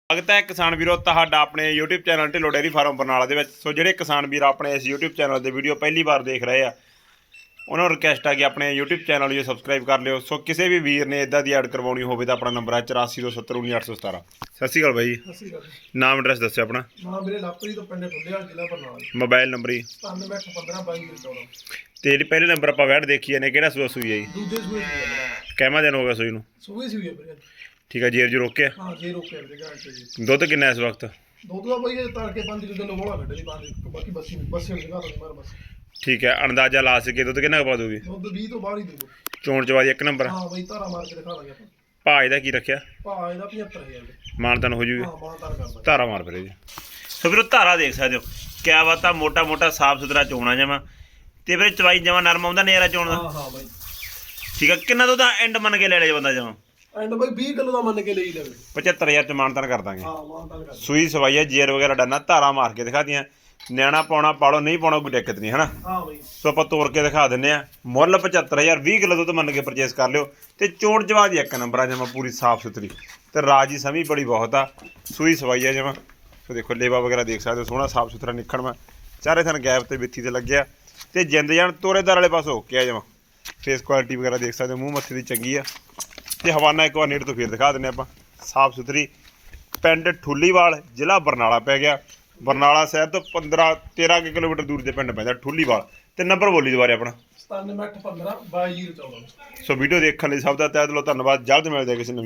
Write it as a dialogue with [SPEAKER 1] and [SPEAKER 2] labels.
[SPEAKER 1] स्वागत है किसान वीरों तुहाडा अपने YouTube channel Dhillon dairy farm Barnala दे विच। सो जिहड़े किसान वीर अपने इस यूट्यूब चैनल की वीडियो पहली बार देख रहे हैं उन्होंने रिक्वेस्ट है कि अपने यूट्यूब चैनल जो सबसक्राइब कर लियो। सो किसी भी वीर ने इदा की ऐड करवानी हो तो अपना नंबर है 842719 सत श्री अकाल भाई जी। नाम एड्रैस दस्यो अपना। मोबाइल नंबर ही तो जी पहले नंबर आप वैट देखी ने कि सूआ सूई है जी कैमा दिन हो गया सूई नूं? ठीक है जेर जो रोके दुध किन्ना इस वक्त? ठीक है अंदाजा ला सके दुध किन्ना पा दूगी? चोण चवादी एक नंबर भाज का की रखिया मानतान हो जूगी धारा मार फिर जी। तो फिर धारा देख सकते हो क्या बात है मोटा मोटा साफ सुथरा चोना जमा तो फिर चवाई जमा नरम आउंदा नज़ारा चोण का। ठीक है किन्ना दुध एंड मन के ले ले बंदा जमा? 75,000 च मानतान कर देंगे। सूई सवाई है जेर वगैरह डरना धारा मार के दिखा दियाँ न्याणा पाउना पालो नहीं पाउना कोई दिक्कत नहीं है ना। सो आप तोड़ के दिखा दें मुल 75,000 20 किलो दुध मन के परचेस कर लियो तो चोण चवा दी एक नंबर जमा पूरी साफ सुथरी तो राजी समी बड़ी बहुत आ सूई सवाई है जमा। तो देखो लेवा वगैरह देख सकते हो सोहना साफ सुथरा निखण में चारे थन गैप तो बिथी से लग्या तो जिंद जान तोरेदार वाले पास हो के जमा फेस क्वालिटी वगैरह देख सकते हो मूँह मत्थे की चंगी है तो हवाना एक बार नेड़ तो फिर दिखा दें आप साफ सुथरी। पिंड ठुलीवाल जिला बरनाला पै गया बरनाला शहर तो 15-13 किलोमीटर दूर से पिंड पैंदा ठुलीवाल तो नंबर बोली दोबारा अपना
[SPEAKER 2] 9715 22 14।
[SPEAKER 1] सो वीडियो देखने सब का तह दिलों धन्यवाद। जल्द मिलते किसी